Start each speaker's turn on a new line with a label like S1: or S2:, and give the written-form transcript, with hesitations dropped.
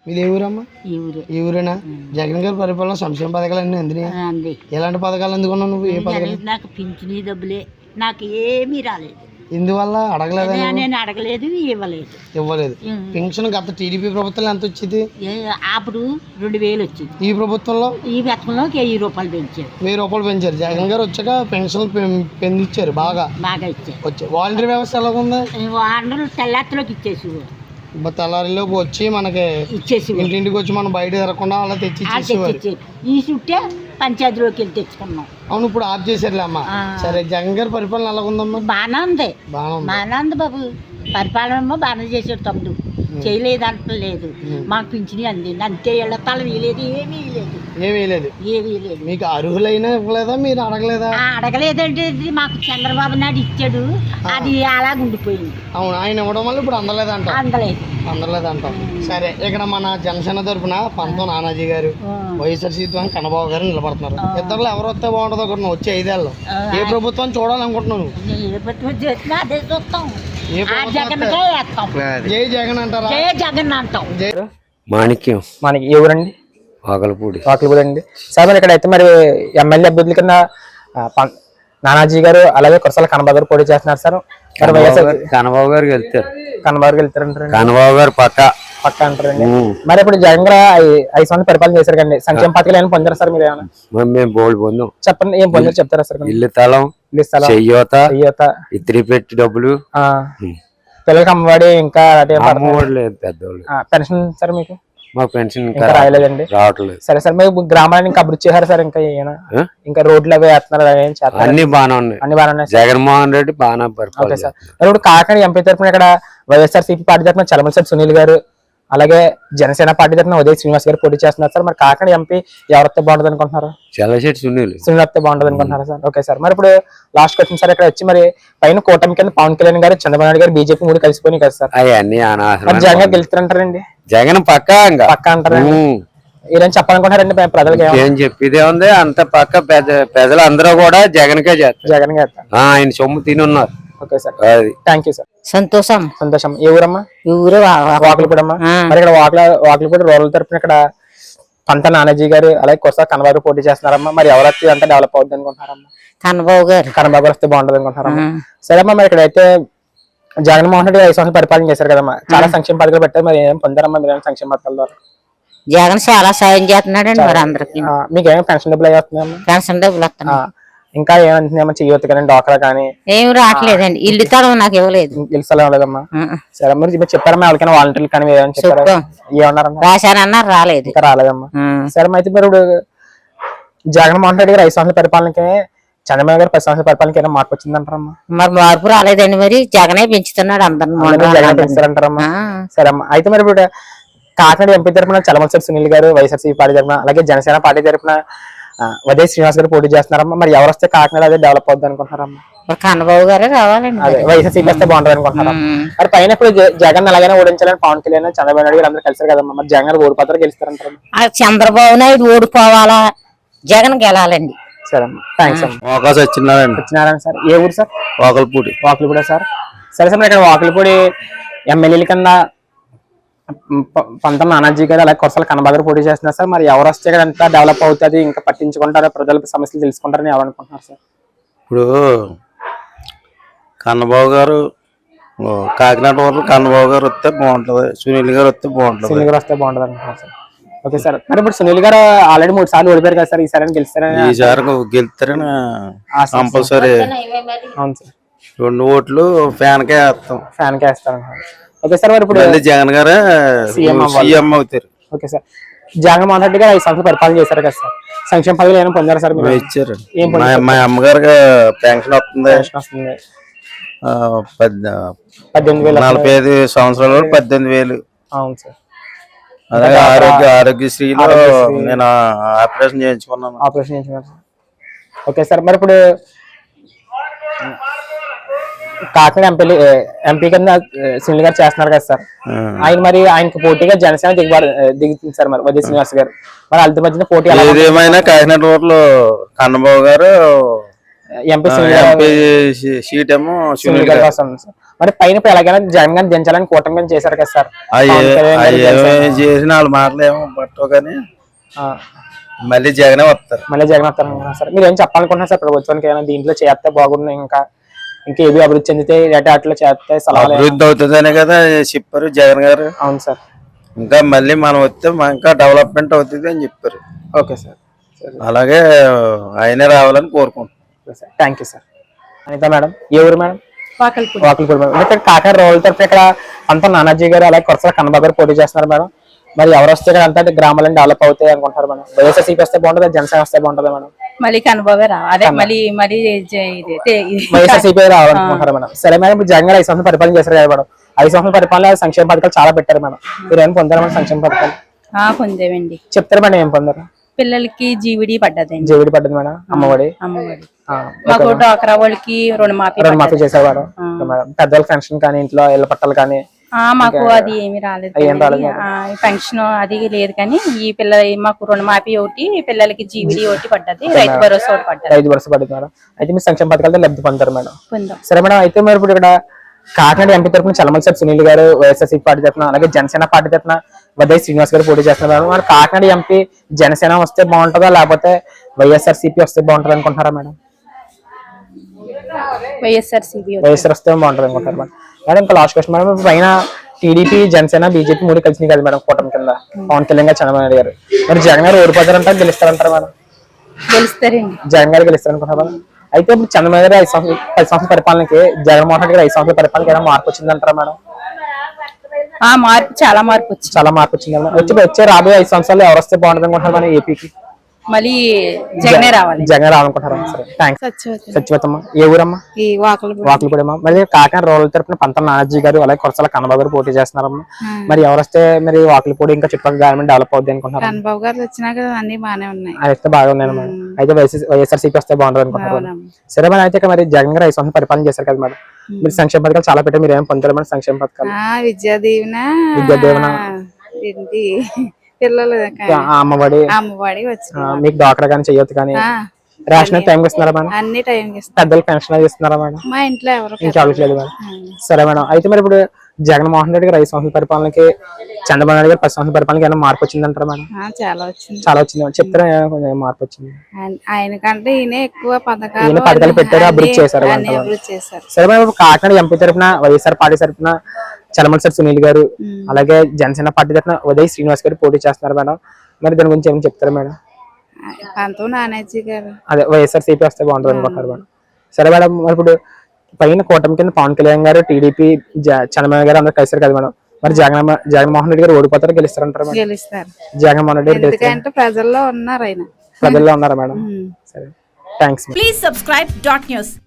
S1: మీది ఏ ఊరమ్మా? ఈ ఊరేనా? జగన్ గారి పరిపాలన సంక్షేమ పథకాలు అన్నీ అందినాయి. ఎలాంటి పథకాలు అందుకున్నావు నువ్వు? ఏ పథకాలు?
S2: నాకు పింఛనీ డబ్బులే, నాకు ఏమీ రాలేదు.
S1: ఇందువల్ల అడగలేదా?
S2: నేను అడగలేదు,
S1: ఇవ్వలేదు. పెన్షన్ గత టీడీపీ ప్రభుత్వంలో ఎంత వచ్చేది?
S2: అప్పుడు 2000 వచ్చింది.
S1: ఈ ప్రభుత్వంలో
S2: ఈ పథకంలో 1000 రూపాయలు పెంచారు.
S1: 1000 రూపాయలు పెంచారు. జగన్ గారు వచ్చాక పెన్షన్ పెంచారు, బాగా
S2: ఇచ్చారు.
S1: వచ్చాయి. వాలంటీర్ వ్యవస్థ ఎలా ఉంది?
S2: వాళ్ళు తెల్లారిలోకి ఇచ్చేసి
S1: తెల్లారిలోకి వచ్చి మనకి ఇచ్చేసి ఇంటింటికి వచ్చి మనం బయట తిరగకుండా అలా తెచ్చి
S2: ఈ చుట్టే పంచాయతీలోకి వెళ్ళి తెచ్చుకున్నాం.
S1: అవును, ఇప్పుడు ఆఫ్ చేశారులే అమ్మా. సరే, జగన్ గారి పరిపాలన ఎలా ఉందమ్మా?
S2: బాగానే ఉంది బాబు. పరిపాలన ఏమో బాగానే చేసాడు. తమ్ముడు చేయలేదంటలేదు. మాకు పింఛని అందింది అంతే. ఇళ్ళ తల వేయలేదు, ఏమీ లేదు.
S1: మీకు అర్హులైనా ఇవ్వలేదా? మీరు అడగలేదా?
S2: అడగలేదంటే మాకు చంద్రబాబు నాయుడు ఇచ్చాడు, అది అలాగ ఉండిపోయింది.
S1: అవును, ఆయన ఇవ్వడం వల్ల ఇప్పుడు అందలేదంట. సరే, ఇక్కడ మన జనసేన తరఫున పంతం నానాజీ గారు, వైఎస్ఆర్సీపీ కన్నబాబు గారు నిలబడుతున్నారు. ఇద్దరు ఎవరు వస్తే బాగుంటుందో ఒకటి వచ్చే 5 ఏళ్ళు ఏ ప్రభుత్వం చూడాలనుకుంటున్నాను?
S2: ఏ ప్రభుత్వం చేసినా అదే చూస్తాం.
S1: జై జగన్ అంటారా?
S2: జై జగన్ అంటాం.
S3: మాణిక్యం.
S4: మనకి ఏ ఊరండి?
S3: వాకలపూడి
S4: అండి. సార్ మరి ఇక్కడ అయితే మరి ఎమ్మెల్యే అభ్యర్థుల కింద నానాజీ గారు అలాగే కురసాల కన్నబాబు గారు పోటీ చేస్తున్నారు సార్.
S3: కన్నబాబు గారికి వెళ్తారు.
S4: వెళ్తారంటారు.
S3: కన్నబాబు గారు పక్క
S4: అంటారండి. మరి ఇప్పుడు జగన్ గారు 5 సంవత్సరాలు పరిపాలన చేశారు కండి. సంక్షేమ పథకాలు ఏమైనా పొందారు సార్? మీరు ఏమైనా?
S3: మేము బోల్డ్ పొందాం.
S4: చెప్పండి, ఏం పొందారు చెప్తారా సార్?
S3: ఇల్లు స్థలం, చెయ్యోత, ఇత్రి పెట్టి డబ్బులు,
S4: పిల్లలకి అమ్మఒడి, ఇంకా
S3: లేదు పెద్దవాళ్ళు
S4: పెన్షన్ సార్. మీకు
S3: మాకు పెన్షన్
S4: రాయలేదండి,
S3: రావట్లేదు.
S4: సరే సార్, మీరు గ్రామాన్ని ఇంకా అభివృద్ధి చేశారు సార్? ఇంకా రోడ్లు అవి వేస్తున్నారు,
S3: అన్ని బాగానే ఉన్నాయి. జగన్మోహన్ రెడ్డి బాగా
S4: ఓకే సార్. మరి ఇప్పుడు కాకినాడ ఎంపీ తరఫున ఇక్కడ వైఎస్ఆర్సీపీ పార్టీ తరఫున చలమలశెట్టి సునీల్ గారు, అలాగే జనసేన పార్టీ తరఫున ఉదయ్ శ్రీనివాస్ గారు పోటీ చేస్తున్నారు సార్. మరి కాకినాడ ఎంపీ ఎవరైతే బాగుంటుంది అనుకుంటున్నారు?
S3: చలమలశెట్టి సునీల్
S4: వస్తే బాగుంటుంది అనుకుంటున్నారు సార్. Okay sir. మరి ఇప్పుడు లాస్ట్ క్వశ్చన్ సార్, ఇక్కడ వచ్చి మరి పైన కూటమి కింద పవన్ కళ్యాణ్ గారు, చంద్రబాబు నాయుడు గారు, బీజేపీ 3 కలిసిపోయినాయి కదా సార్.
S3: అవన్నీ
S4: జగన్ గెలుస్తారంటారండి?
S3: జగన్ పక్కా
S4: అంటారండి. ఏదైనా చెప్పాలనుకుంటారండి ప్రజలకి?
S3: ఏం చెప్పేదే ఉంది, అంత పక్క ప్రజలు అందరూ కూడా జగన్ కే చేస్తారు. ఆయన సొమ్ము తిని ఉన్నారు.
S4: Okay sir, thank you sir.
S2: సంతోషం.
S4: ఏ ఊరమ్మా?
S2: ఈ ఊరే
S4: వాకలపూడమ్మా. మరి ఇక్కడ వాకలపూడి రూరల్ తరఫున ఇక్కడ పంత నానాజీ గారు అలాగే కురసాల కన్నబాబు పోటీ చేస్తున్నారమ్మా. మరి ఎవరైతే అంతా డెవలప్ అవుతుంది అనుకుంటున్నారమ్మా?
S2: కన్నబాబు గారు
S4: వస్తే బాగుంటుంది అనుకుంటున్నారమ్మా. సరే అమ్మా, మరి ఇక్కడైతే జగన్మోహన్ రెడ్డి 5 సంవత్సరాలు పరిపాలన చేశారు కదమ్మా. చాలా సంక్షేమ పథకాలు పెట్టారు. మరి ఏం పొందారమ్మా మీరు సంక్షేమ పథకాల ద్వారా?
S2: జగన్ చాలా సాయం చేస్తున్నాడండి మరి అందరికి.
S4: మీకు ఏమైనా పెన్షన్ డబ్బులు వస్తున్నాయమ్మా?
S2: పెన్షన్ డబ్బులు వస్తున్నాయి.
S4: ఇంకా ఏమంటున్నాయమ్మా? చెయ్యొద్దు కానీ డాక్రా కానీ
S2: ఏం రావట్లేదండి. ఇల్లు స్థలం నాకు ఇవ్వలేదు.
S4: ఇల్లు స్థలం ఇవ్వలేదమ్మా. సరే, మీరు చెప్పారమ్మా ఎవరికైనా వాలంటీర్లు కానీ ఏమన్నారమ్మా?
S2: రాశానన్నారు, రాలేదు.
S4: ఇంకా రాలేదమ్మా. సరే, అయితే మరి ఇప్పుడు జగన్మోహన్ రెడ్డి గారు 5 సంవత్సరాల పరిపాలనకి, చంద్రబాబు గారు 10 సంవత్సరాల పరిపాలనకి ఏమైనా మార్పు వచ్చిందంటారమ్మా?
S2: మరి మార్పు రాలేదండి. మరి జగనే పెంచుతున్నాడు అందరిని.
S4: పెంచారంటారమ్మా. సరే అమ్మా, అయితే మరి ఇప్పుడు కాకినాడ ఎంపీ తరఫున చలమలశెట్టి సునీల్ గారు వైఎస్ఆర్సీపీ పార్టీ తరఫున, అలాగే జనసేన పార్టీ తరఫున ఉదయ్ శ్రీనివాస్ గారు పోటీ చేస్తున్నారమ్మా. మరి ఎవరు వస్తే కాకినాడ అదే డెవలప్ అవుతుంది అనుకుంటున్నారమ్మా?
S2: కన్నబాబు గారే రావాలండి.
S4: అదే వైఎస్ఆర్సీపీ వస్తే బాగుంటుంది అనుకుంటున్నారా? మరి పైన ఇప్పుడు జగన్ అలాగే ఓడించాలని పవన్ కళ్యాణ్, చంద్రబాబు నాయుడు గారు అందరూ కలిసారు కదమ్మా. మరి జగన్ ఓడిపోతారు గెలుస్తారంటారు?
S2: చంద్రబాబు నాయుడు ఓడిపోవాలా, జగన్ గెలాలండి.
S4: సరే అమ్మా, థ్యాంక్స్ అమ్మా.
S3: సత్యనారాయణ
S4: సార్. ఏ ఊరు సార్?
S3: వాకలపూడి
S4: సార్. సరే సార్, ఇక్కడ వాకలపూడి ఎమ్మెల్యేల కింద పంతం నానాజీ గారు అలాగే కురసాల కన్నబాబు గారు పోటీ చేస్తున్నారు సార్. మరి ఎవరు వస్తే ఇక్కడ ఎంత డెవలప్ అవుతుంది, ఇంకా పట్టించుకుంటారో, ప్రజల సమస్యలు తెలుసుకుంటారని ఎవరు అనుకుంటున్నారు సార్?
S3: ఇప్పుడు కన్నబాబు గారు కాకినాడ వరకు కన్నబాబు గారు వస్తే బాగుంటది, సునీల్ గారు వస్తే బాగుంటుంది.
S4: సునీల్ గారు వస్తే బాగుంటుంది అనుకుంటున్నారు సార్. Okay sir. మరి ఇప్పుడు సునీల్ గారు ఆల్రెడీ 3 సార్లు ఓడిపోయారు కదా సార్. ఈసారి
S3: గెలుస్తారని కంపల్సరీ.
S4: అవును సార్.
S3: 2 ఓట్లు ఫ్యాన్కే
S4: వేస్తారు. Okay sir. మరి ఇప్పుడు
S3: జగన్ గారు సీఎం అవుతారు.
S4: Okay sir. జగన్మోహన్ రెడ్డి గారు 5 సంవత్సరాలు పరిపాలన చేశారు కదా సార్. సంక్షేమ పథకాలు ఏమైనా పొందారు సార్?
S3: ఇచ్చారు. మా అమ్మగారికి పెన్షన్ వస్తుంది. 45 సంవత్సరాల 18,000.
S4: అవును సార్.
S3: అలాగే ఆరోగ్యశ్రీలో నేను ఆపరేషన్ చేయించుకున్నాను.
S4: Okay sir. మరి ఇప్పుడు కాకినాడ ఎంపీ కింద సునీల్ గారు చేస్తున్నారు కదా సార్. ఆయన మరి ఆయనకు పోటీగా జనసేన దిగుతుంది సార్. మరి ఉదయ్ శ్రీనివాస్ గారు, మరి వాళ్ళ మధ్యన పోటీ
S3: ఏదేమైనా కాకినాడ ఊర్లో కన్నబాబు గారు
S4: ఎంపీ సీట్ ఏమో సునీల్ గారు వస్తుంది సార్. మరి పైన ఇప్పుడు ఎలాగైనా జగన్ గారిని దించాలని కూటమి గారిని చేశారు కదా సార్.
S3: చేసిన వాళ్ళ మాటలు ఏమో పట్టవు కానీ మళ్ళీ జగనే వస్తారు.
S4: మళ్ళీ జగన్ వస్తారనుకున్నారు సార్. మీరు ఏం చెప్పాలనుకుంటున్నారు సార్ ప్రభుత్వానికి? ఏమైనా దీంట్లో చేస్తే బాగుంటుంది, ఇంకా ఏవి అభివృద్ధి చెందితే అట్లా చేస్తే సలహాలు
S3: అభివృద్ధి అవుతుందనే కదా చెప్పారు జగన్ గారు.
S4: అవును సార్.
S3: ఇంకా మళ్ళీ మనం వస్తే ఇంకా డెవలప్మెంట్ అవుతుంది అని చెప్పారు.
S4: Okay sir.
S3: అలాగే ఆయనే రావాలని కోరుకుంటున్నాం.
S4: Thank you sir. Anitha madam, ఏ ఊరు మేడం? వాకల్పూడి మేడం. ఇక్కడ కాకినాడ రోడ్ల తరఫున ఇక్కడ అంతా నానాజీ గారు అలాగే కొరసాల కన్నబాబు గారు పోటీ చేస్తున్నారు మేడం. మరి ఎవరు వస్తే ఇక్కడ అంతా గ్రామాలను డెవలప్ అవుతాయి అనుకుంటారు మేడం? వైఎస్ఆర్సీపీ వస్తే బాగుంటుంది, జనసేన వస్తే బాగుంటుంది మేడం?
S5: మళ్ళీ కనుబాబే అదే మళ్ళీ
S4: వైఎస్ఆర్సీపీ రావాలనుకుంటారు మేడం. సరే మేడం, ఇప్పుడు జగన్ గారు 5 సంవత్సరాలు పరిపాలన చేశారు కదా మేడం. 5 సంవత్సరాల పరిపాలన సంక్షేమ పథకాలు చాలా పెట్టారు మేడం. మీరు ఏం పొందారు మేడం సంక్షేమ పథకాలు?
S5: పొందేవండి.
S4: చెప్తారు మేడం ఏం పొందారు?
S5: పిల్లలకి జీవిడి పడ్డదండి.
S4: జీవిడి పడ్డది మేడం. అమ్మఒడి
S5: మాకు డ్వాక్రా వాళ్ళకి
S4: రుణమాఫీ చేసేవారు మేడం. పెద్దవాళ్ళ పెన్షన్ కానీ ఇంట్లో ఇళ్ల పట్టాలు కానీ
S5: మాకు అది ఏమి రాలేదు. పెన్షన్ అది లేదు కానీ ఈ పిల్ల మాకు రుణమాఫీ ఒకటి, పిల్లలకి జీవిడి ఒకటి పడ్డది, రైతు భరోసా ఒకటి పడ్డది.
S4: రైతు భరోసా పడ్డది మేడం. అయితే మీరు సంక్షేమ పథకాలతో లబ్ధి పొందారు మేడం.
S5: పొందాం.
S4: సరే మేడం, అయితే మరి ఇప్పుడు ఇక్కడ కాకినాడ ఎంపీ తరఫున చలమలసారి సునీల్ గారు వైఎస్ఆర్సీపీ పార్టీ తరఫున, అలాగే జనసేన పార్టీ తరఫున వదయ్ శ్రీనివాస్ గారు పోటీ చేస్తున్నారు. మరి కాకినాడ ఎంపీ జనసేన వస్తే బాగుంటుందా లేకపోతే వైఎస్ఆర్సీపీ వస్తే బాగుంటుంది అనుకుంటారా మేడం?
S5: వైఎస్ఆర్
S4: వస్తే బాగుంటుంది అనుకుంటారు మేడం. మేడం ఇంకా లాస్ట్ క్వశ్చన్ మేడం, పైన టీడీపీ జనసేన బీజేపీ 3 కలిసినాయి కదా మేడం కూటమి కింద, పవన్ కళ్యాణ్ గారు చంద్రబాబు నాయుడు గారు. మరి జగన్ గారు ఓడిపోతారంటారు, గెలుస్తారంటారు మేడం?
S5: గెలుస్తారండి.
S4: జగన్ గారు గెలుస్తారనుకుంటారు మేడం. అయితే ఇప్పుడు చంద్రబాబు గారు 10 సంవత్సరాల పరిపాలనకి జగన్మోహన్ రెడ్డి గారు 5 సంవత్సరాల పరిపాలనకి ఏమైనా మార్పు వచ్చిందంటారా మేడం?
S5: మార్పు చాలా మార్పు
S4: వచ్చింది మేడం. వచ్చే రాబోయే 5 సంవత్సరాలు ఎవరు వస్తే బాగుంటుంది అనుకుంటారు మేడం ఏపీకి?
S5: మళ్ళీ జగనే
S4: రావాలనుకుంటారా? సరే, థ్యాంక్స్. సత్యవతమ్మ, ఏ ఊరమ్మా? వాకులపూడమ్మా. మరి కాకినాడ రోడ్ల తరపున పంతం నానాజీ గారు అలాగే కొరసాల కన్నబాబు గారు పోటీ చేస్తున్నారమ్మా. మరి ఎవరు వస్తే మరి వాకులపూడి ఇంకా చుట్టుపక్కల గవర్నమెంట్ డెవలప్ అవుద్ది అనుకుంటున్నారు?
S5: కన్నబాబు గారు వచ్చినాక అన్ని బాగానే ఉన్నాయి.
S4: అయితే బాగా ఉన్నాయి మేడం. అయితే వైఎస్ఆర్సీపీ వస్తే బాగుంటుంది అనుకుంటున్నారు. సరే మేడం, అయితే మరి జగన్ గారు 5 సంవత్సరాలు పరిపాలన చేశారు కదా మేడం. మీరు సంక్షేమ పథకాలు చాలా పెట్టారు, మీరు ఏం పొందారు మేడం సంక్షేమ పథకాలు? విద్యాదీవెన,
S5: పిల్లలు
S4: అమ్మఒడి, మీకు డాక్టర్ కానీ చెయ్యొద్దు కానీ రేషన్ టైం ఇస్తున్నారా మేడం?
S5: అన్ని టైం
S4: పెద్దలు పెన్షన్ ఇస్తున్నారా మేడం?
S5: మా ఇంట్లో
S4: ఇంకా అవ్వట్లేదు మేడం. సరే మేడం, అయితే మరి ఇప్పుడు జగన్మోహన్ రెడ్డి గారు 5 సంవత్సరాల పరిపాలనకి చంద్రబాబు నాయుడు గారు 10 సంవత్సరాల పరిపాలనకి ఏమైనా మార్పు వచ్చిందంటారా మేడం? చాలా వచ్చింది మేడం. చెప్తారా కొంచెం మార్పు వచ్చింది?
S5: ఆయనకంటే ఈయన ఎక్కువ పథకాలు
S4: పెట్టారు, అభివృద్ధి చేశారు. సరే మేడం, ఇప్పుడు కాకినాడ ఎంపీ తరఫున వైఎస్ఆర్ పార్టీ తరఫున చలమలసారి సునీల్ గారు అలాగే జనసేన పార్టీ తరఫున వదయ్ శ్రీనివాస్ గారు పోటీ చేస్తున్నారు మేడం. మరి దాని గురించి ఏమైనా చెప్తారా మేడం? అదే వైఎస్ఆర్సీపీ వస్తే బాగుంటుంది అనుకుంటారు మేడం. సరే మేడం, మరి ఇప్పుడు పైన కూటమి కింద పవన్ కళ్యాణ్ గారు, టీడీపీ, చంద్రబాబు గారు అందరూ కలిసారు కదా మేడం. మరి జగన్మోహన్ రెడ్డి గారు ఓడిపోతారు, గెలుస్తారంటారు మేడం? జగన్మోహన్ రెడ్డి గారు
S5: ప్రజల్లో ఉన్నారు, ఆయన
S4: ప్రజల్లో ఉన్నారా మేడం? సరే, థ్యాంక్స్.
S6: Please subscribe .news.